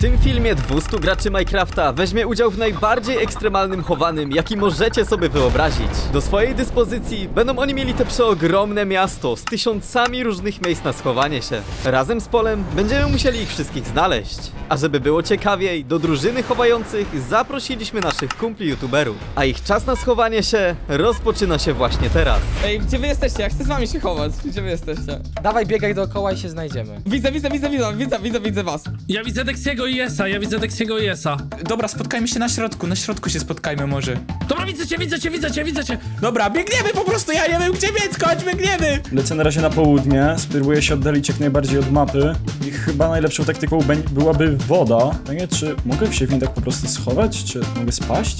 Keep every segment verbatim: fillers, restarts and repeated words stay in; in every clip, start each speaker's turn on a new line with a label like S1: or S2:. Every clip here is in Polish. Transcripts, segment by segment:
S1: tym filmie dwustu graczy Minecrafta weźmie udział w najbardziej ekstremalnym chowanym, jaki możecie sobie wyobrazić. Do swojej dyspozycji będą oni mieli te przeogromne miasto z tysiącami różnych miejsc na schowanie się. Razem z Polem będziemy musieli ich wszystkich znaleźć. A żeby było ciekawiej, do drużyny chowających zaprosiliśmy naszych kumpli youtuberów. A ich czas na schowanie się rozpoczyna się właśnie teraz.
S2: Ej, gdzie wy jesteście? Ja chcę z wami się chować. Gdzie wy jesteście?
S3: Dawaj, biegaj dookoła i się znajdziemy.
S2: Widzę, widzę, widzę, widzę, widzę, widzę, widzę was.
S4: Ja widzę Dexiego i Esa, ja widzę Dexiego i Esa.
S5: Dobra, spotkajmy się na środku, na środku się spotkajmy może.
S4: Dobra, widzę cię, widzę cię, widzę cię, widzę cię.
S5: Dobra, biegniemy po prostu, ja nie wiem gdzie biec, chodź, biegniemy!
S6: Lecę na razie na południe, spróbuję się oddalić jak najbardziej od mapy i chyba najlepszą taktyką bę- byłaby woda. Tak nie, czy mogę się w niej tak po prostu schować, czy mogę spaść?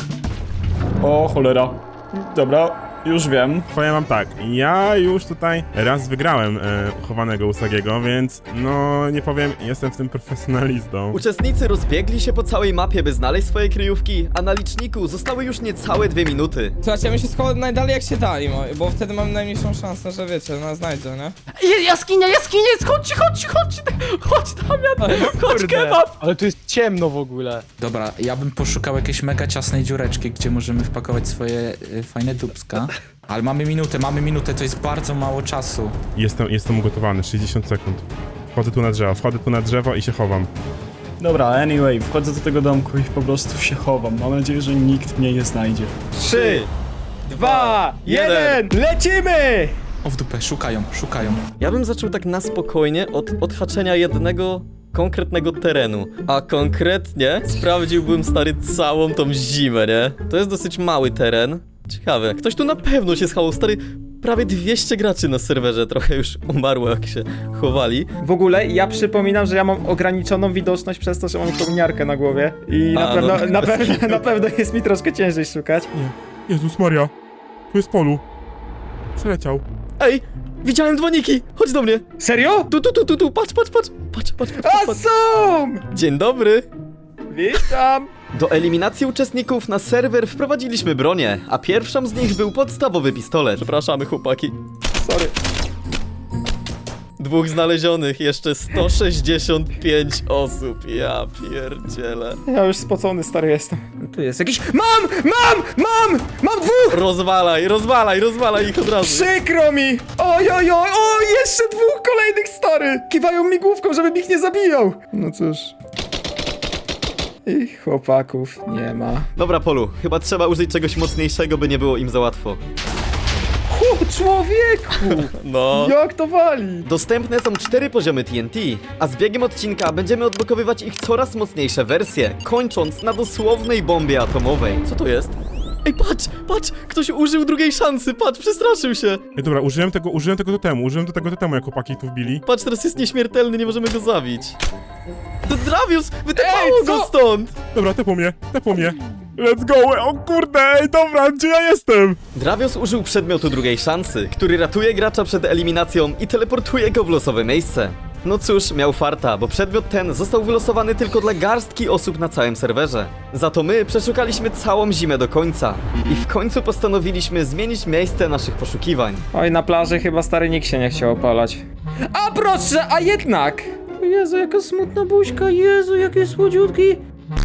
S6: O cholera. Dobra, już wiem.
S7: Powiem wam tak, ja już tutaj raz wygrałem e, chowanego Usagiego, więc no nie powiem, jestem w tym profesjonalistą.
S1: Uczestnicy rozbiegli się po całej mapie, by znaleźć swoje kryjówki, a na liczniku zostały już niecałe dwie minuty.
S2: Słuchajcie, ja bym się schował najdalej jak się da, Imo, bo wtedy mam najmniejszą szansę, że wiecie, nas znajdzie, nie?
S3: Jaskinia, jaskinia, chodź, chodź, chodź, chodź, Damian, chodź, kebab. Ale tu jest ciemno w ogóle.
S5: Dobra, ja bym poszukał jakiejś mega ciasnej dziureczki, gdzie możemy wpakować swoje y, fajne dupska. Ale mamy minutę, mamy minutę, to jest bardzo mało czasu.
S7: Jestem, jestem ugotowany, sześćdziesiąt sekund. Wchodzę tu na drzewo, wchodzę tu na drzewo i się chowam.
S6: Dobra, anyway, wchodzę do tego domku i po prostu się chowam. Mam nadzieję, że nikt mnie nie znajdzie.
S1: Trzy,
S3: Dwa, jeden, lecimy!
S5: O w dupę, szukają, szukają.
S1: Ja bym zaczął tak na spokojnie od odhaczenia jednego konkretnego terenu. A konkretnie sprawdziłbym, stary, całą tą zimę, nie? To jest dosyć mały teren. Ciekawe, ktoś tu na pewno się schował, stary. Prawie dwieście graczy na serwerze, trochę już umarło jak się chowali.
S3: W ogóle ja przypominam, że ja mam ograniczoną widoczność przez to, że mam kominiarkę na głowie. I na,
S1: A,
S3: pewno,
S1: no.
S3: na, pewno, na pewno jest mi troszkę ciężej szukać.
S7: Jezus Maria, tu jest Polu. Przeleciał.
S1: Ej, widziałem dzwoniki, chodź do mnie.
S3: Serio?
S1: Tu, tu, tu, tu, tu, patrz, patrz, patrz, patrz, patrz, patrz,
S3: A
S1: patrz.
S3: są!
S1: Dzień dobry.
S3: Witam!
S1: Do eliminacji uczestników na serwer wprowadziliśmy bronię, a pierwszą z nich był podstawowy pistolet. Przepraszamy, chłopaki.
S3: Sorry.
S1: Dwóch znalezionych, jeszcze sto sześćdziesiąt pięć osób. Ja pierdzielę.
S3: Ja już spocony, stary jestem. Tu jest jakiś... Mam! Mam! Mam! Mam dwóch!
S1: Rozwalaj, rozwalaj, rozwalaj ich od razu.
S3: Przykro mi! Oj, oj, oj, o, jeszcze dwóch kolejnych, stary! Kiwają mi główką, żebym ich nie zabijał! No cóż... I chłopaków nie ma.
S1: Dobra, Polu, chyba trzeba użyć czegoś mocniejszego, by nie było im za łatwo.
S3: O, człowieku!
S1: No.
S3: Jak to wali?
S1: Dostępne są cztery poziomy T N T, a z biegiem odcinka będziemy odblokowywać ich coraz mocniejsze wersje, kończąc na dosłownej bombie atomowej. Co to jest? Ej, patrz, patrz, ktoś użył drugiej szansy, patrz, przestraszył się.
S7: Ej, dobra, użyłem tego, użyłem tego totemu, użyłem do tego totemu, jak chłopaki tu wbili.
S1: Patrz, teraz jest nieśmiertelny, nie możemy go zabić. To Dravius, wytepało
S3: Ej,
S1: go
S3: co?
S1: stąd!
S7: Dobra, tepło mnie, tepło mnie. Let's go, o kurde, ej, dobra, gdzie ja jestem?
S1: Dravius użył przedmiotu drugiej szansy, który ratuje gracza przed eliminacją i teleportuje go w losowe miejsce. No cóż, miał farta, bo przedmiot ten został wylosowany tylko dla garstki osób na całym serwerze. Za to my przeszukaliśmy całą zimę do końca i w końcu postanowiliśmy zmienić miejsce naszych poszukiwań.
S3: Oj, na plaży chyba stary nikt się nie chciał opalać. A proszę, a jednak! O Jezu, jaka smutna buźka, Jezu, jakie słodziutki!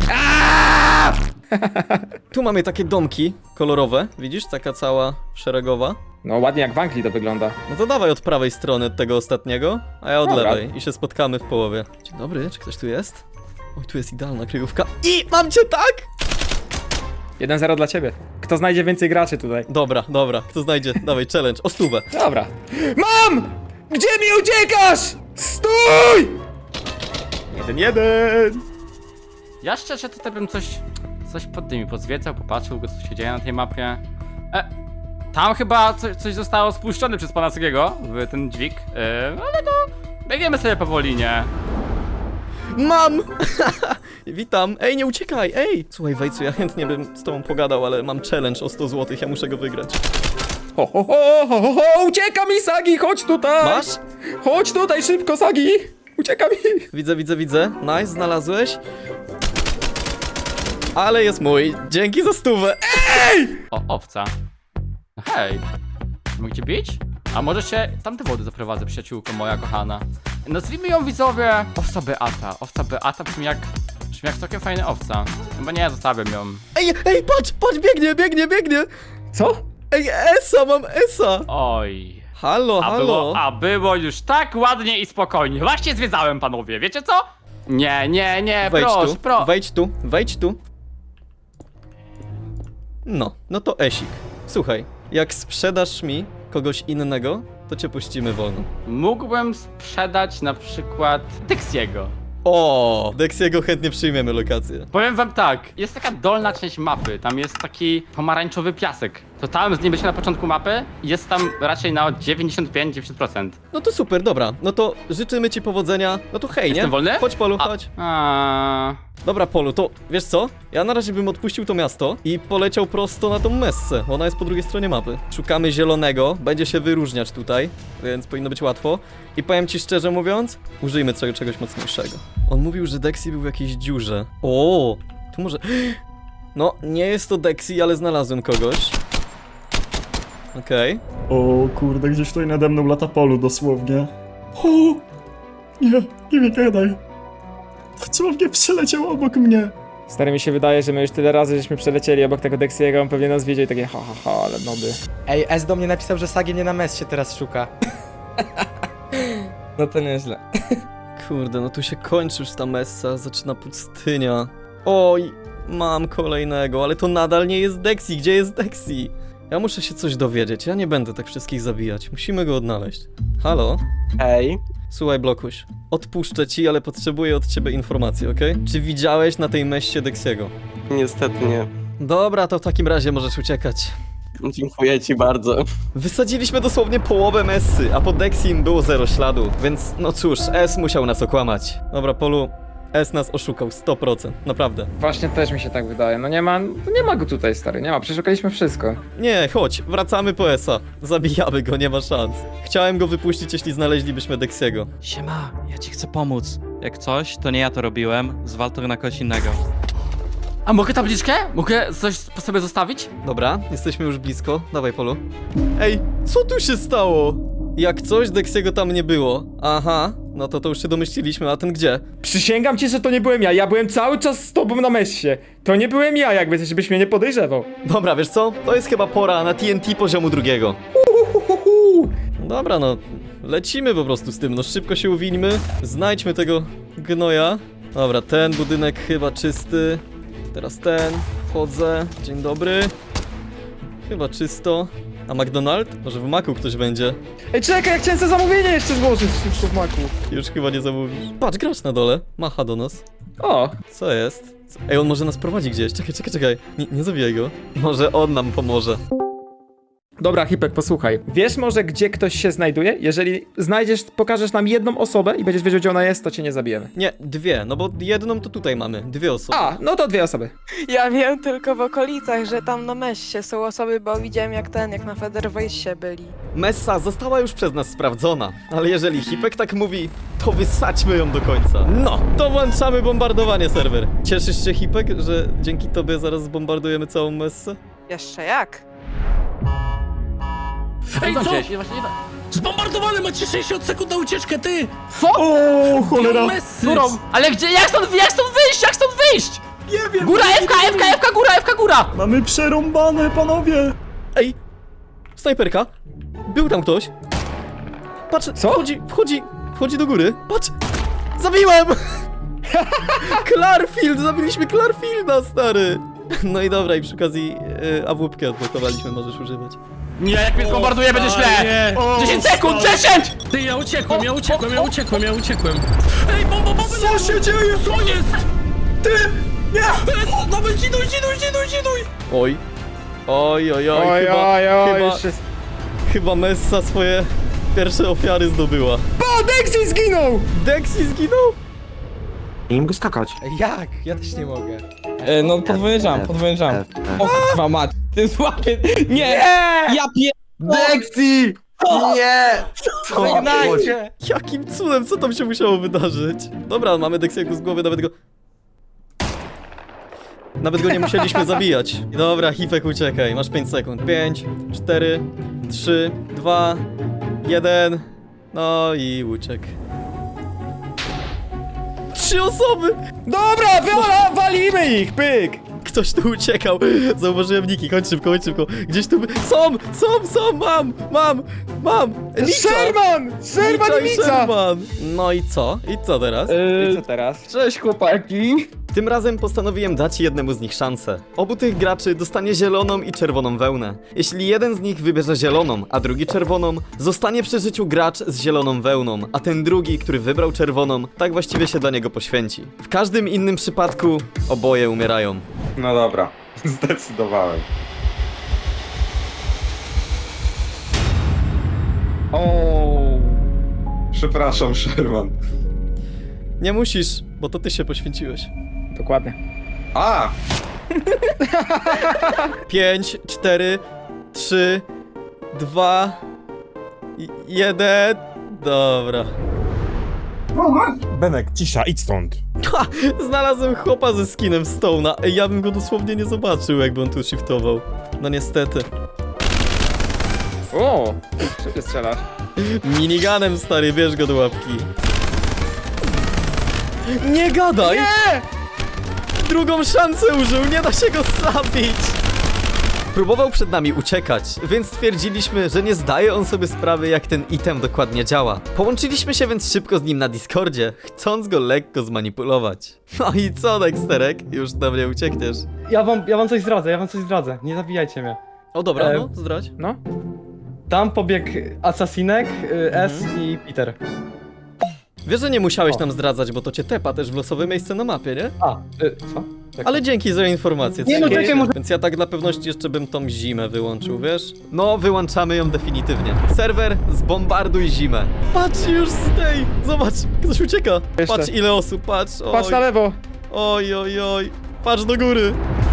S1: Tu mamy takie domki kolorowe, widzisz? Taka cała szeregowa.
S3: No ładnie jak w Anglii to wygląda.
S1: No to dawaj od prawej strony od tego ostatniego, a ja od
S3: Dobra.
S1: lewej i się spotkamy w połowie. Dzień dobry, czy ktoś tu jest? Oj, tu jest idealna kryjówka. I mam cię, tak?
S3: jeden zero dla ciebie. Kto znajdzie więcej graczy tutaj?
S1: Dobra, dobra, kto znajdzie, dawaj, challenge, o stówę.
S3: Dobra. Mam! Gdzie mi uciekasz? Stój! Jeden, jeden!
S8: Ja szczerze tutaj bym coś, coś pod tymi pozwiedzał, popatrzył, co się dzieje na tej mapie. E, tam chyba coś, coś zostało spuszczone przez pana Segiego w ten dźwig, e, ale to biegniemy sobie powoli, nie?
S1: Mam! Witam, ej, nie uciekaj, ej! Słuchaj, Wejcu, ja chętnie bym z tobą pogadał, ale mam challenge o sto złotych, ja muszę go wygrać.
S3: Ho, ho, ho, ho, ho, ho, ucieka mi Sagi, chodź tutaj!
S1: Masz?
S3: Chodź tutaj szybko, Sagi! Ucieka mi!
S1: Widzę, widzę, widzę, nice, znalazłeś. Ale jest mój, dzięki za stówę.
S8: O, owca. Hej, mogę cię bić? A może się tamte wody zaprowadzę, przyjaciółko moja kochana. Nazwijmy ją widzowie owca Beata. Owca Beata brzmi jak, brzmi jak całkiem fajna owca. Chyba nie, zostawiam ją.
S1: Ej, ej, patrz, patrz, biegnie, biegnie, biegnie!
S3: Co?
S1: Ej, Esa, mam Esa!
S8: Oj.
S1: Halo,
S8: A
S1: halo!
S8: było, a było już tak ładnie i spokojnie. Właśnie zwiedzałem, panowie, wiecie co? Nie, nie, nie,
S1: Wejdź
S8: proszę,
S1: tu,
S8: pro.
S1: wejdź tu, wejdź tu. No, no to Esik. Słuchaj, jak sprzedasz mi kogoś innego, to cię puścimy wolno.
S8: Mógłbym sprzedać na przykład Dexiego.
S1: O, Dexiego chętnie przyjmiemy lokację.
S8: Powiem wam tak, jest taka dolna część mapy, tam jest taki pomarańczowy piasek. To tam z nim byliśmy na początku mapy i jest tam raczej na dziewięćdziesiąt pięć dziewięćdziesiąt procent.
S1: No to super, dobra. No to życzymy ci powodzenia. No to hej, nie?
S8: Jestem wolny?
S1: Chodź, Polu,
S8: A-
S1: chodź.
S8: A...
S1: Dobra, Polu, to wiesz co? Ja na razie bym odpuścił to miasto i poleciał prosto na tą messę. Ona jest po drugiej stronie mapy. Szukamy zielonego, będzie się wyróżniać tutaj, więc powinno być łatwo. I powiem ci szczerze mówiąc, użyjmy czego, czegoś mocniejszego. On mówił, że Dexy był w jakiejś dziurze. O, tu może... No, nie jest to Dexy, ale znalazłem kogoś. Okej.
S6: O kurde, gdzieś tutaj nade mną lata Polu dosłownie. O! Nie, nie mi gadaj. Dosłownie przeleciał obok mnie.
S3: Stary, mi się wydaje, że my już tyle razy żeśmy przelecieli obok tego Dexiego, on pewnie nas wiedział i takie ha ha ha, ale noby.
S9: Ej, S do mnie napisał, że Sagi nie na mes się teraz szuka.
S2: No to nieźle.
S1: Kurde, no tu się kończy już ta messa, zaczyna pustynia. Oj, mam kolejnego, ale to nadal nie jest Dexy. Gdzie jest Dexy? Ja muszę się coś dowiedzieć, ja nie będę tak wszystkich zabijać. Musimy go odnaleźć. Halo?
S9: Ej.
S1: Słuchaj, Blokuś, odpuszczę ci, ale potrzebuję od ciebie informacji, okej? Czy widziałeś na tej messie Dexiego?
S9: Niestety nie.
S1: Dobra, to w takim razie możesz uciekać.
S9: Dziękuję ci bardzo.
S1: Wysadziliśmy dosłownie połowę messy, a po Dexim było zero śladu, więc no cóż, S musiał nas okłamać. Dobra, Polu, S nas oszukał, sto procent, naprawdę.
S3: Właśnie też mi się tak wydaje, no nie ma, no nie ma go tutaj, stary, nie ma, przeszukaliśmy wszystko.
S1: Nie, chodź, wracamy po Esa. Zabijamy go, nie ma szans. Chciałem go wypuścić, jeśli znaleźlibyśmy Dexiego.
S10: Siema, ja ci chcę pomóc. Jak coś, to nie ja to robiłem, zwal to na kogoś innego.
S8: A mogę tabliczkę? Mogę coś po sobie zostawić?
S1: Dobra, jesteśmy już blisko. Dawaj, Polu. Ej, co tu się stało? Jak coś, Dexiego tam nie było. Aha, no to to już się domyśliliśmy, a ten gdzie?
S3: Przysięgam ci, że to nie byłem ja, ja byłem cały czas z tobą na messie. To nie byłem ja, jakby, żebyś mnie nie podejrzewał.
S1: Dobra, wiesz co? To jest chyba pora na T N T poziomu drugiego. Dobra, no, lecimy po prostu z tym, no szybko się uwińmy. Znajdźmy tego gnoja. Dobra, ten budynek chyba czysty. Teraz ten, wchodzę, dzień dobry. Chyba czysto. A McDonald? Może w Macu ktoś będzie?
S3: Ej, czekaj, ja chciałem sobie zamówienie jeszcze złożyć szybko w maku.
S1: Już chyba nie zamówisz. Patrz, gracz na dole, macha do nas.
S3: O,
S1: Co jest? Co? Ej, on może nas prowadzi gdzieś, czekaj, czekaj, czekaj. Nie, nie zabijaj go. Może on nam pomoże.
S3: dobra, Hipek, posłuchaj. Wiesz może, gdzie ktoś się znajduje? Jeżeli znajdziesz, pokażesz nam jedną osobę i będziesz wiedział, gdzie ona jest, to cię nie zabijemy.
S1: Nie, dwie, no bo jedną to tutaj mamy, dwie osoby.
S3: A, no to dwie osoby.
S11: Ja wiem tylko w okolicach, że tam na messie są osoby, bo widziałem jak ten, jak na Federwejście byli.
S1: Messa została już przez nas sprawdzona, ale jeżeli Hipek tak mówi, to wysadźmy ją do końca. No, to włączamy bombardowanie serwer. Cieszysz się, Hipek, że dzięki tobie zaraz zbombardujemy całą messę?
S11: Jeszcze jak?
S4: Ej, co?
S8: Gdzieś, właśnie nie da-
S4: Zbombardowany, macie sześćdziesiąt sekund na ucieczkę, ty!
S8: Co?
S6: O cholera!
S4: Mesy!
S8: Którą? Ale gdzie? Jak stąd, jak stąd wyjść? Jak stąd wyjść?
S6: Nie wiem!
S8: Góra, F K, F K, F K, góra, F K, góra!
S6: Mamy przerąbane, panowie!
S1: Ej, snajperka, był tam ktoś. Patrz,
S3: Co?
S1: wchodzi, wchodzi, wchodzi do góry. Patrz, zabiłem! Clarfield, zabiliśmy Clarfielda, stary. No i dobra, i przy okazji yy, A W P-kę odblokowaliśmy, możesz używać.
S8: Nie, jak mnie zbombarduje, będzie źle!
S4: Nie.
S8: dziesięć sekund, dziesięć!
S4: Ty, ja uciekłem, ja uciekłem, ja uciekłem, ja uciekłem. Ej, bomba, bomba!
S6: Co się dzieje?
S4: Co jest?
S6: Ty! Nie!
S4: Dobra, dziduj, dziduj, dziduj, dziduj!
S1: Oj. Oj, oj, oj,
S3: Oj,
S1: chyba,
S3: oj, oj,
S1: chyba,
S3: już jest...
S1: chyba Messa swoje pierwsze ofiary zdobyła.
S3: O, Dexy zginął!
S1: Dexy zginął?
S9: Nie mogę skakać.
S2: Jak? Ja też nie mogę. E, no podwójny jump, podwójny jump. O kurwa mać, ty złapie... Nie! Ja pier...
S9: Dexy! Nie!
S2: Żegnajcie!
S1: Jakim cudem, co tam się musiało wydarzyć? Dobra, mamy Dexiego z głowy, nawet go... Nawet go nie musieliśmy zabijać. Dobra, Hipek, uciekaj, masz pięć sekund. pięć, cztery, trzy, dwa, jeden. No i uciek. trzy osoby!
S3: Dobra, wiola, walimy ich, pyk!
S1: Ktoś tu uciekał. Zauważyłem Niki, chodź szybko, chodź szybko. Gdzieś tu... Są, są, są, mam, mam, mam! Nica!
S3: Sherman! Sherman i
S1: i
S3: Mica!
S1: Sherman! No i co? I co teraz?
S3: I co teraz?
S2: Cześć chłopaki.
S1: Tym razem postanowiłem dać jednemu z nich szansę. Obu tych graczy dostanie zieloną i czerwoną wełnę. Jeśli jeden z nich wybierze zieloną, a drugi czerwoną, zostanie przy życiu gracz z zieloną wełną, a ten drugi, który wybrał czerwoną, tak właściwie się dla niego poświęci. W każdym innym przypadku oboje umierają.
S9: No dobra, zdecydowałem.
S2: O.
S9: Przepraszam, Sherman.
S1: Nie musisz, bo to ty się poświęciłeś.
S3: Dokładnie.
S9: A!
S1: pięć, cztery, trzy, dwa, jeden. Dobra.
S7: Benek, cisza, idź stąd.
S1: Ha! Znalazłem chłopa ze skinem Stone'a. Ej, ja bym go dosłownie nie zobaczył, jakby on tu shiftował. No niestety.
S3: O! Co ty strzelasz?
S1: Miniganem, stary, bierz go do łapki. Nie gadaj!
S3: Nie!
S1: Drugą szansę użył, nie da się go zabić! Próbował przed nami uciekać, więc stwierdziliśmy, że nie zdaje on sobie sprawy, jak ten item dokładnie działa. Połączyliśmy się więc szybko z nim na Discordzie, chcąc go lekko zmanipulować. No i co, Dexterek? Już do mnie uciekniesz.
S2: Ja wam, ja wam coś zdradzę, ja wam coś zdradzę. Nie zabijajcie mnie.
S1: O dobra,
S2: E,
S1: no, zdradź.
S3: No?
S2: Tam pobiegł Asasinek, y, S i Peter.
S1: Wiesz, że nie musiałeś
S2: O.
S1: nam zdradzać, bo to cię tepa też w losowe miejsce na mapie, nie?
S2: A, y, co? Tak.
S1: Ale dzięki za informację.
S2: Nie, no
S1: Dzięki.
S2: czekaj, może-
S1: Więc ja tak dla pewności jeszcze bym tą zimę wyłączył, wiesz? No, wyłączamy ją definitywnie. Serwer, zbombarduj zimę. Patrz już z tej! Zobacz, ktoś ucieka.
S3: Jeszcze.
S1: Patrz ile osób, patrz. Oj.
S3: Patrz na lewo!
S1: Oj, oj, oj. Patrz do góry.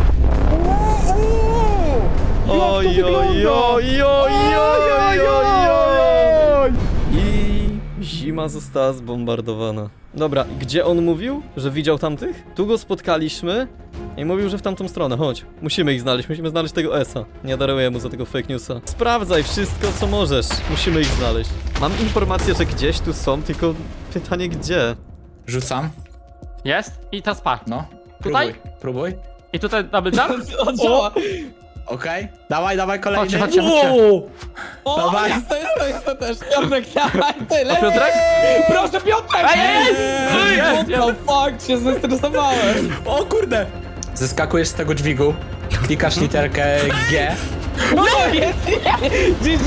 S3: Jak to
S1: Oj, oj,
S3: wygląda?
S1: oj, oj, oj, oj, oj, oj. I zima została zbombardowana. Dobra, gdzie on mówił, że widział tamtych? Tu go spotkaliśmy i mówił, że w tamtą stronę. Chodź, musimy ich znaleźć, musimy znaleźć tego Esa. Nie daruję mu za tego fake newsa. Sprawdzaj wszystko, co możesz. Musimy ich znaleźć. Mam informację, że gdzieś tu są, tylko pytanie gdzie?
S5: Rzucam.
S8: Jest? I teraz patrz.
S5: No.
S8: Tutaj?
S5: Próbuj, próbuj.
S8: I tutaj double jump?
S2: On działa!
S5: Okej. Dawaj, dawaj kolejny.
S8: Chodźcie, chodźcie, chodźcie.
S2: O,
S5: Dawaj.
S2: jest, to jest, to jest, to też. Piotrek, dawaj, tyle!
S8: O, Piotrek?
S2: Proszę, Piotrek!
S8: Ej, ej, ej!
S2: What
S8: Jest,
S2: the fuck, się zestresowałem!
S5: O kurde! Zeskakujesz z tego dźwigu, klikasz literkę G.
S2: No, jest, nie!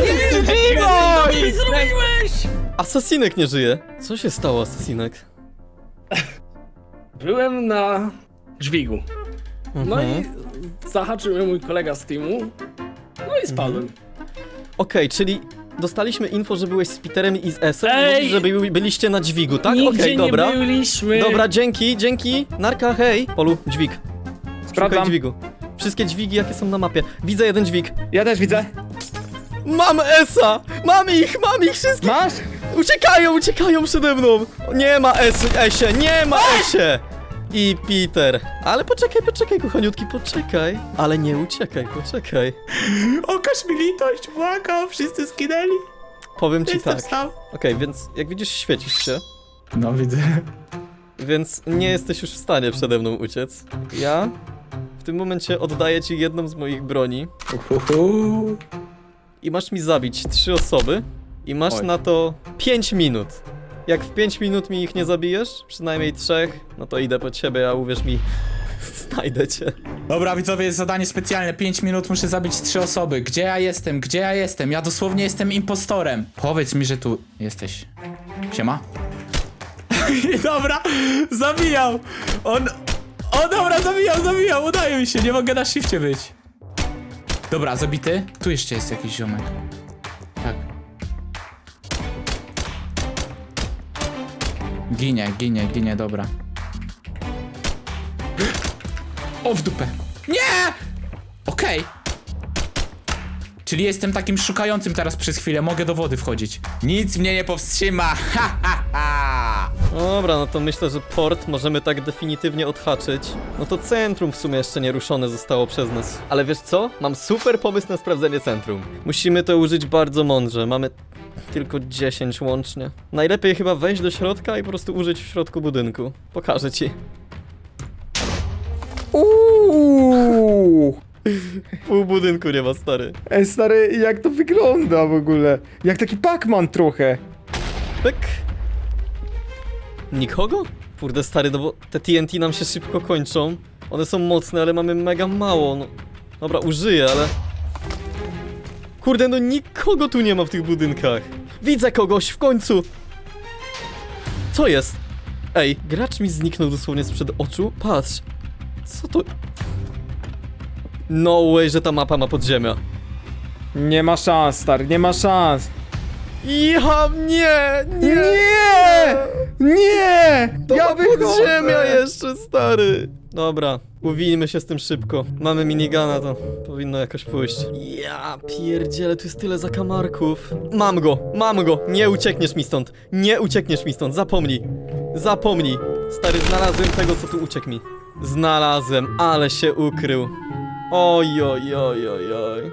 S4: zrobiłeś?
S1: Asasinek nie żyje. Co się stało, Asasinek?
S4: Byłem na dźwigu. No
S1: Mhm.
S4: i zahaczył mnie mój kolega z teamu. No i spadłem.
S1: Okej, czyli dostaliśmy info, że byłeś z Peterem i z Esem,
S4: Ej!
S1: mówisz, że by, byliście na dźwigu, tak? Okej,
S4: Nigdzie
S1: dobra.
S4: nie byliśmy.
S1: Dobra, dzięki, dzięki. Narka, hej. Polu, dźwig.
S3: Sprawdzam.
S1: Szukaj dźwigu. Wszystkie dźwigi, jakie są na mapie. Widzę jeden dźwig.
S3: Ja też widzę.
S1: Mam Esa! Mam ich, mam ich wszystkich!
S3: Masz?
S1: Uciekają, uciekają przede mną! Nie ma Es, Esie, nie ma Esie! I Peter. Ale poczekaj, poczekaj, kochaniutki, poczekaj. Ale nie uciekaj, poczekaj.
S5: Okaż mi litość, błagam, wszyscy skinęli.
S1: Powiem ci
S5: Jestem
S1: tak.
S5: sam.
S1: Okej, więc jak widzisz, świecisz się.
S5: No widzę.
S1: Więc nie jesteś już w stanie przede mną uciec. Ja w tym momencie oddaję ci jedną z moich broni
S5: Uhuhu.
S1: i masz mi zabić trzy osoby i masz
S3: Oj.
S1: na to pięć minut. Jak w pięć minut mi ich nie zabijesz, przynajmniej trzech, no to idę po ciebie, a uwierz mi, znajdę cię.
S5: Dobra, widzowie, jest zadanie specjalne. pięć minut muszę zabić trzy osoby. Gdzie ja jestem? Gdzie ja jestem? Ja dosłownie jestem impostorem. Powiedz mi, że tu jesteś. Siema. Dobra, zabijał. On... O, dobra, zabijał, zabijał. Udaje mi się, nie mogę na shifcie być. Dobra, zabity. Tu jeszcze jest jakiś ziomek. Tak. Ginie, ginie, ginie, dobra. O, w dupę. Nie! Okej. Czyli jestem takim szukającym teraz przez chwilę, mogę do wody wchodzić. Nic mnie nie powstrzyma, ha, ha, ha.
S1: Dobra, no to myślę, że port możemy tak definitywnie odhaczyć. No to centrum w sumie jeszcze nie ruszone zostało przez nas. Ale wiesz co? Mam super pomysł na sprawdzenie centrum. Musimy to użyć bardzo mądrze. Mamy Tylko dziesięć łącznie. Najlepiej chyba wejść do środka i po prostu użyć w środku budynku. Pokażę ci.
S3: Uuu!
S1: Pół budynku nie ma, stary.
S3: Ej, stary, jak to wygląda w ogóle? Jak taki Pac-Man trochę.
S1: Pyk. Nikogo? Kurde, stary, no bo te T N T nam się szybko kończą. One są mocne, ale mamy mega mało, no. Dobra, użyję, ale... Kurde, no nikogo tu nie ma w tych budynkach. Widzę kogoś, w końcu! Co jest? Ej, gracz mi zniknął dosłownie sprzed oczu. Patrz. Co to... No way, że ta mapa ma podziemia.
S3: Nie ma szans, stary, nie ma szans.
S1: Ja, nie, nie,
S3: Nie! Nie!
S1: To
S3: Ja
S1: ma
S3: wychodzę!
S1: podziemia jeszcze, stary. Dobra, uwijmy się z tym szybko. Mamy minigana, to powinno jakoś pójść. Ja pierdzielę, tu jest tyle zakamarków. Mam go, mam go, nie uciekniesz mi stąd. Nie uciekniesz mi stąd, zapomnij. Zapomnij. Stary, znalazłem tego, co tu uciekł mi. Znalazłem, ale się ukrył. Oj, oj, oj, oj, oj.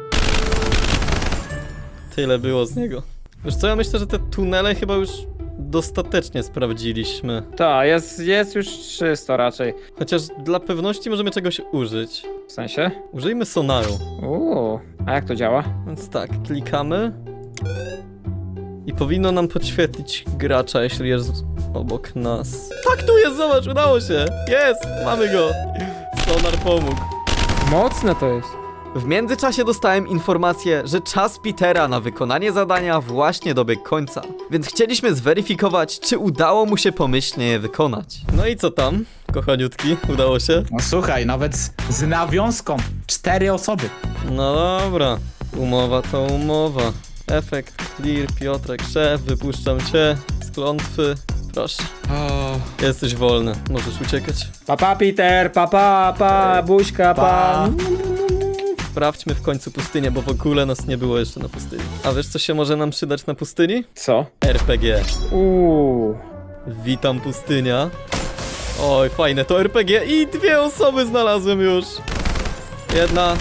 S1: Tyle było z niego. Wiesz co, ja myślę, że te tunele chyba już dostatecznie sprawdziliśmy.
S3: Tak, jest, jest już czysto raczej.
S1: Chociaż dla pewności możemy czegoś użyć.
S3: W sensie?
S1: Użyjmy sonaru.
S3: Uuu, a jak to działa?
S1: Więc tak, klikamy. I powinno nam podświetlić gracza, jeśli jest obok nas. Tak, tu jest, zobacz, udało się! Jest, mamy go! Sonar pomógł.
S3: Mocne to jest.
S1: W międzyczasie dostałem informację, że czas Petera na wykonanie zadania właśnie dobiegł końca. Więc chcieliśmy zweryfikować, czy udało mu się pomyślnie je wykonać. No i co tam, kochaniutki? Udało się?
S5: No słuchaj, nawet z, z nawiązką. Cztery osoby.
S1: No dobra. Umowa to umowa. Efekt, clear, Piotrek, szef, wypuszczam cię z klątwy. Proszę. Jesteś wolny, możesz uciekać.
S3: Papa Peter, papa, pa, buźka, pa.
S5: Pa.
S1: Sprawdźmy w końcu pustynię, bo w ogóle nas nie było jeszcze na pustyni. A wiesz, co się może nam przydać na pustyni?
S3: Co?
S1: R P G.
S3: Uuu.
S1: Witam, pustynia. Oj, fajne to R P G i dwie osoby znalazłem już. Jedna.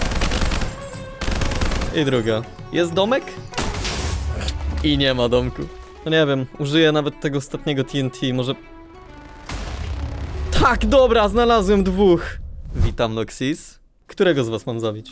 S1: I druga. Jest domek? I nie ma domku. No nie wiem, użyję nawet tego ostatniego T N T, może... Tak, dobra, znalazłem dwóch. Witam, Noxis. Którego z was mam zabić?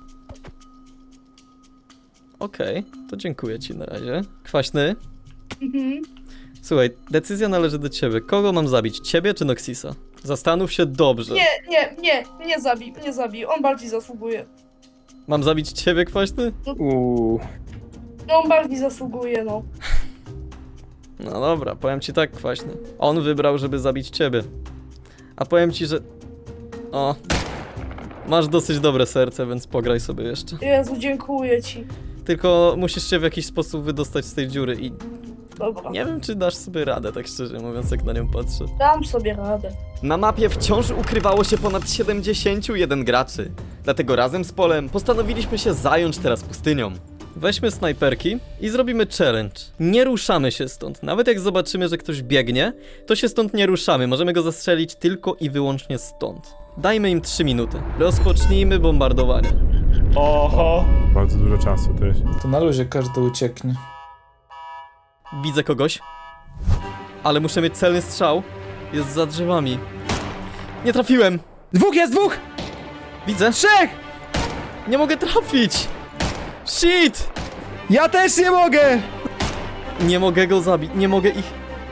S1: Okej, okay, to dziękuję ci na razie. Kwaśny?
S11: Mhm.
S1: Słuchaj, decyzja należy do ciebie. Kogo mam zabić? Ciebie czy Noxisa? Zastanów się dobrze.
S11: Nie, nie, nie, nie zabij, nie zabij, on bardziej zasługuje.
S1: Mam zabić ciebie, Kwaśny?
S3: Uuu.
S11: No on bardziej zasługuje, no.
S1: No dobra, powiem ci tak, Kwaśny. On wybrał, żeby zabić ciebie. A powiem ci, że... O... Masz dosyć dobre serce, więc pograj sobie jeszcze.
S11: Jezu, dziękuję ci.
S1: Tylko musisz się w jakiś sposób wydostać z tej dziury i...
S11: Dobra,
S1: Nie wiem, czy dasz sobie radę, tak szczerze mówiąc, jak na nią patrzę.
S11: dam sobie radę.
S1: Na mapie wciąż ukrywało się ponad siedemdziesięciu jeden graczy. Dlatego razem z Polem postanowiliśmy się zająć teraz pustynią. Weźmy snajperki i zrobimy challenge. Nie ruszamy się stąd. Nawet jak zobaczymy, że ktoś biegnie, to się stąd nie ruszamy. Możemy go zastrzelić tylko i wyłącznie stąd. Dajmy im trzy minuty. Rozpocznijmy bombardowanie.
S6: Oho.
S7: Bardzo dużo czasu też.
S2: To na luzie każdy ucieknie.
S1: Widzę kogoś. Ale muszę mieć celny strzał. Jest za drzewami. Nie trafiłem!
S3: Dwóch jest, dwóch!
S1: Widzę.
S3: Trzech!
S1: Nie mogę trafić! Shit!
S3: Ja też nie mogę!
S1: Nie mogę go zabić, nie mogę ich...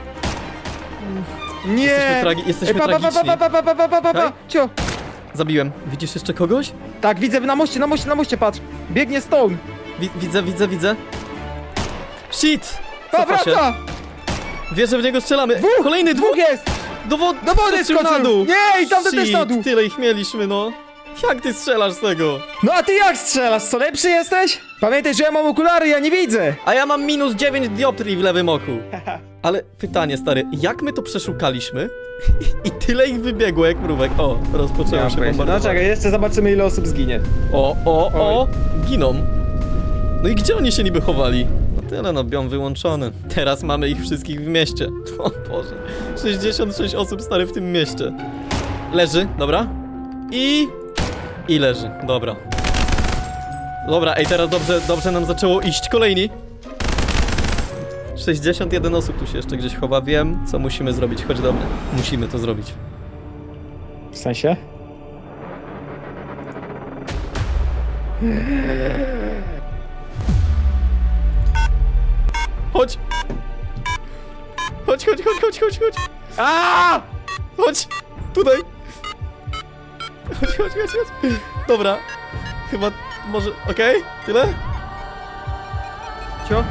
S3: Nie!
S1: Jesteśmy, tragi jesteśmy
S3: Ej, pa, pa, pa,
S1: tragiczni.
S3: pa, pa, pa, pa, pa, pa, pa,
S1: Okej?
S3: Cio!
S1: Zabiłem. Widzisz jeszcze kogoś?
S3: Tak, widzę na moście, na moście, na moście, patrz! Biegnie Stone!
S1: Wi widzę, widzę, widzę. Shit!
S3: Pa,
S1: Cofa się.
S3: wraca!
S1: Wierzę, w niego strzelamy.
S3: Dwóch!
S1: Kolejny dwóch!
S3: Dwóch jest!
S1: Do, wo
S3: Do wody
S1: skoczył na
S3: skoczył!
S1: dół!
S3: Nie, i tamten
S1: Shit,
S3: też na dół!
S1: tyle ich mieliśmy, no. Jak ty strzelasz z tego?
S3: No a ty jak strzelasz? Co, lepszy jesteś? Pamiętaj, że ja mam okulary, ja nie widzę!
S1: A ja mam minus dziewięć dioptrii w lewym oku. Ale pytanie, stary, jak my to przeszukaliśmy? I tyle ich wybiegło jak mrówek. O, rozpoczęło się
S3: No
S1: bombardowanie.
S3: czekaj, jeszcze zobaczymy ile osób zginie.
S1: O, o, o! Giną. No i gdzie oni się niby chowali? No tyle, no biom wyłączony. Teraz mamy ich wszystkich w mieście. O Boże. sześćdziesiąt sześć osób, stary, w tym mieście. Leży, dobra. I... I leży, dobra. Dobra, ej, teraz dobrze, dobrze nam zaczęło iść. Kolejni. sześćdziesiąt jeden osób tu się jeszcze gdzieś chowa. Wiem, co musimy zrobić. Chodź do mnie. Musimy to zrobić.
S3: W sensie?
S1: Chodź! Chodź, chodź, chodź, chodź, chodź, chodź! A! Chodź! Tutaj! Chodź, chodź, chodź, chodź! Dobra. Chyba może... Okej? Tyle? Cio?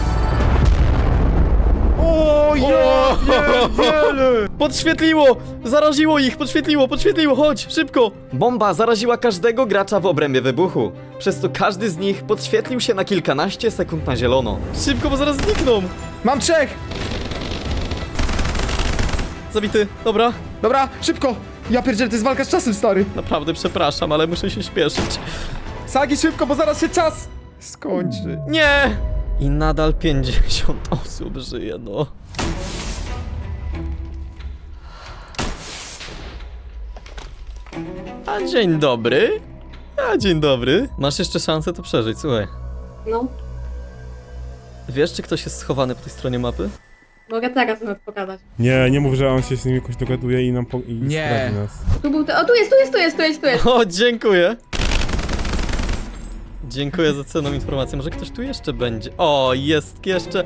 S1: O, ja pierdzielę! Podświetliło! Zaraziło ich! Podświetliło, podświetliło! Chodź, szybko! Bomba zaraziła każdego gracza w obrębie wybuchu. Przez to każdy z nich podświetlił się na kilkanaście sekund na zielono. Szybko, bo zaraz znikną!
S3: Mam trzech!
S1: Zabity, dobra.
S3: Dobra, szybko! Ja pierdzielę, to jest walka z czasem, stary!
S1: Naprawdę przepraszam, ale muszę się śpieszyć.
S3: Sagi, szybko, bo zaraz się czas skończy.
S1: Nie! I nadal pięćdziesiąt osób żyje, no. A dzień dobry. A dzień dobry. Masz jeszcze szansę to przeżyć, słuchaj.
S11: No,
S1: Wiesz, czy ktoś jest schowany po tej stronie mapy?
S11: mogę teraz nawet pokazać.
S7: Nie, nie mów, że on się z nim jakoś dogaduje i nam po... i
S5: Nie.
S7: zdradzi nas.
S11: Tu był, o tu jest, tu jest, tu jest, tu jest, tu jest.
S1: O, dziękuję. Dziękuję za cenną informację. Może ktoś tu jeszcze będzie. O, jest jeszcze.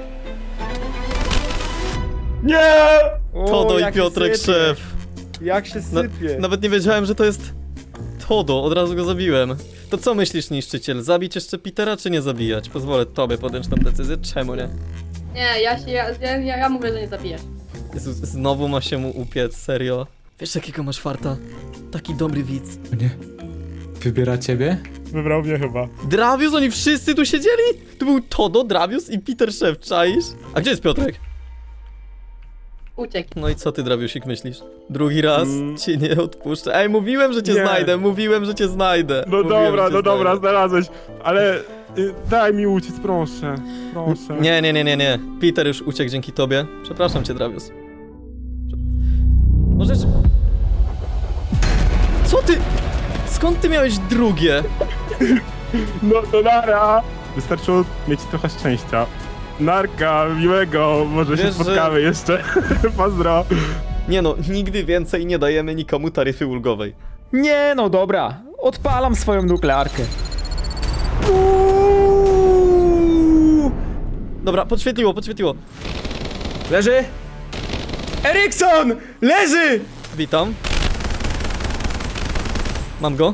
S3: Nie!
S1: Todo i Piotrek szef.
S3: Jak się
S1: Na,
S3: sypie.
S1: nawet nie wiedziałem, że to jest Todo, od razu go zabiłem. To co myślisz, niszczyciel? Zabić jeszcze Petera, czy nie zabijać? Pozwolę tobie podjąć tą decyzję, czemu nie?
S11: Nie, ja się, ja, ja, ja mówię, że nie zabiję.
S1: Jezu, znowu ma się mu upiec, serio? Wiesz, jakiego masz farta? Taki dobry widz.
S5: Nie. Wybiera ciebie?
S7: Wybrał mnie chyba.
S1: Dravius, oni wszyscy tu siedzieli? Tu był Todo, Dravius i Peter Szef, czaisz? A gdzie jest Piotrek?
S11: Uciekł.
S1: No i co ty, Draviusik, myślisz? Drugi raz
S7: Mm.
S1: ci nie odpuszczę. Ej, mówiłem, że cię
S7: Nie.
S1: znajdę, mówiłem, że cię znajdę.
S7: No
S1: Mówiłem,
S7: dobra,
S1: że cię
S7: no dobra,
S1: znajdę.
S7: znalazłeś, ale y, daj mi uciec, proszę. Proszę.
S1: Nie, nie, nie, nie, nie. Peter już uciekł dzięki tobie. Przepraszam cię, Dravius. Prze- Możesz... Co ty? Skąd ty miałeś drugie?
S7: No to nara. Wystarczyło mieć trochę szczęścia. Narka, miłego, może się
S1: Wiesz, że-
S7: spotkamy jeszcze. Pozdro.
S1: Nie no, nigdy więcej nie dajemy nikomu taryfy ulgowej.
S3: Nie no, dobra. Odpalam swoją nuklearkę.
S1: Dobra, podświetliło, podświetliło.
S3: Leży! Erikson! Leży!
S1: Witam. Mam go.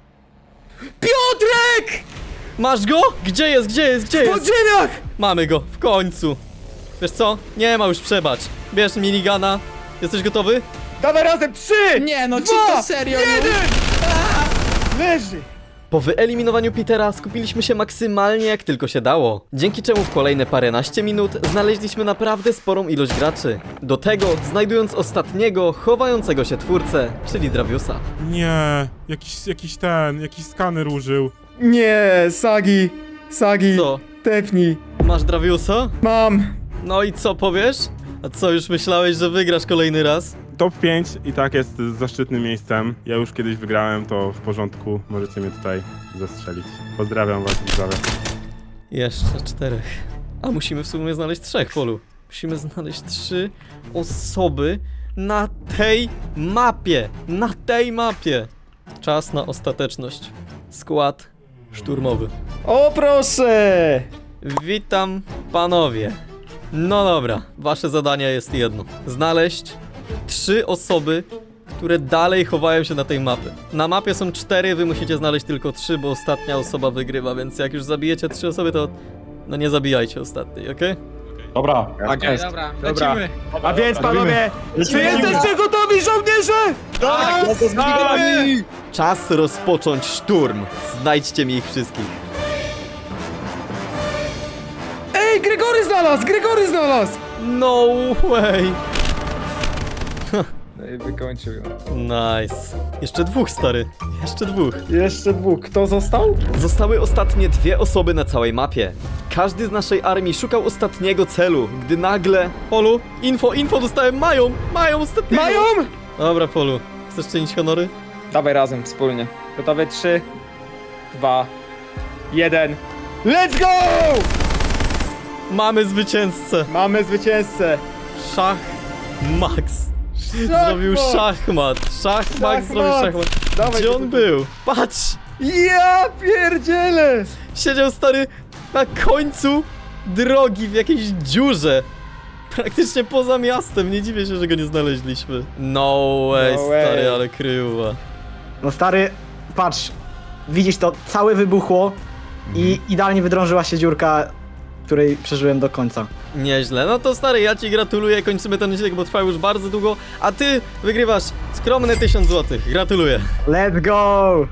S3: Piotrek!
S1: Masz go? Gdzie jest, gdzie jest, gdzie
S3: W
S1: jest?
S3: podziemiach!
S1: Mamy go, w końcu. Wiesz co? Nie ma już przebacz. Bierz minigana. Jesteś gotowy?
S3: Dawaj razem, trzy!
S5: Nie, no czy
S3: Dwa,
S5: to serio?
S3: jeden! Leży!
S1: Po wyeliminowaniu Petera skupiliśmy się maksymalnie jak tylko się dało, dzięki czemu w kolejne paręnaście minut znaleźliśmy naprawdę sporą ilość graczy. Do tego znajdując ostatniego, chowającego się twórcę, czyli Draviusa.
S7: Nie, jakiś, jakiś ten, jakiś skaner użył.
S3: Nie, Sagi, Sagi,
S1: Co?
S3: tepnij.
S1: Masz Draviusa?
S3: Mam.
S1: No i co powiesz? A co, już myślałeś, że wygrasz kolejny raz?
S7: Top pięć i tak jest zaszczytnym miejscem. Ja już kiedyś wygrałem, to w porządku. Możecie mnie tutaj zastrzelić. Pozdrawiam was, widzowie.
S1: Jeszcze czterech. A musimy w sumie znaleźć trzech, Polu. Musimy znaleźć trzy osoby na tej mapie. Na tej mapie. Czas na ostateczność. Skład szturmowy.
S3: O proszę!
S1: Witam, panowie. No dobra, wasze zadanie jest jedno. Znaleźć trzy osoby, które dalej chowają się na tej mapie. Na mapie są cztery, wy musicie znaleźć tylko trzy, bo ostatnia osoba wygrywa, więc jak już zabijecie trzy osoby, to no nie zabijajcie ostatniej, okej?
S6: Dobra.
S3: Tak jest.
S4: Dobra,
S3: Dobra.
S4: lecimy.
S3: A więc panowie, czy
S6: Lecimy.
S3: jesteście gotowi, żołnierze? Tak!
S1: Czas rozpocząć szturm. Znajdźcie mi ich wszystkich.
S3: Ej, Gregory znalazł! Gregory znalazł!
S1: No way!
S3: No i wykończył ją.
S1: Nice. Jeszcze dwóch, stary. Jeszcze dwóch.
S3: Jeszcze dwóch. Kto został?
S1: Zostały ostatnie dwie osoby na całej mapie. Każdy z naszej armii szukał ostatniego celu, gdy nagle... Polu, info, info dostałem, mają! Mają ostatniego!
S3: Mają?
S1: Dobra, Polu. Chcesz czynić honory?
S3: Dawaj razem, wspólnie. Gotowe? Trzy, dwa, jeden. Let's go!
S1: Mamy zwycięzcę.
S3: Mamy zwycięzcę.
S1: Szach Max. Zrobił szachmat. Szach Max zrobił szachmat.
S3: Dawaj,
S1: Gdzie on był? Patrz!
S3: Ja pierdzielę!
S1: Siedział stary na końcu drogi w jakiejś dziurze. Praktycznie poza miastem. Nie dziwię się, że go nie znaleźliśmy. No way,
S3: No
S1: stary,
S3: way.
S1: ale kryła.
S12: No stary, patrz, widzisz to, całe wybuchło i idealnie wydrążyła się dziurka, której przeżyłem do końca.
S1: Nieźle. No to stary, ja ci gratuluję. Kończymy ten odcinek, bo trwa już bardzo długo. A ty wygrywasz skromne tysiąc złotych. Gratuluję.
S12: Let's go!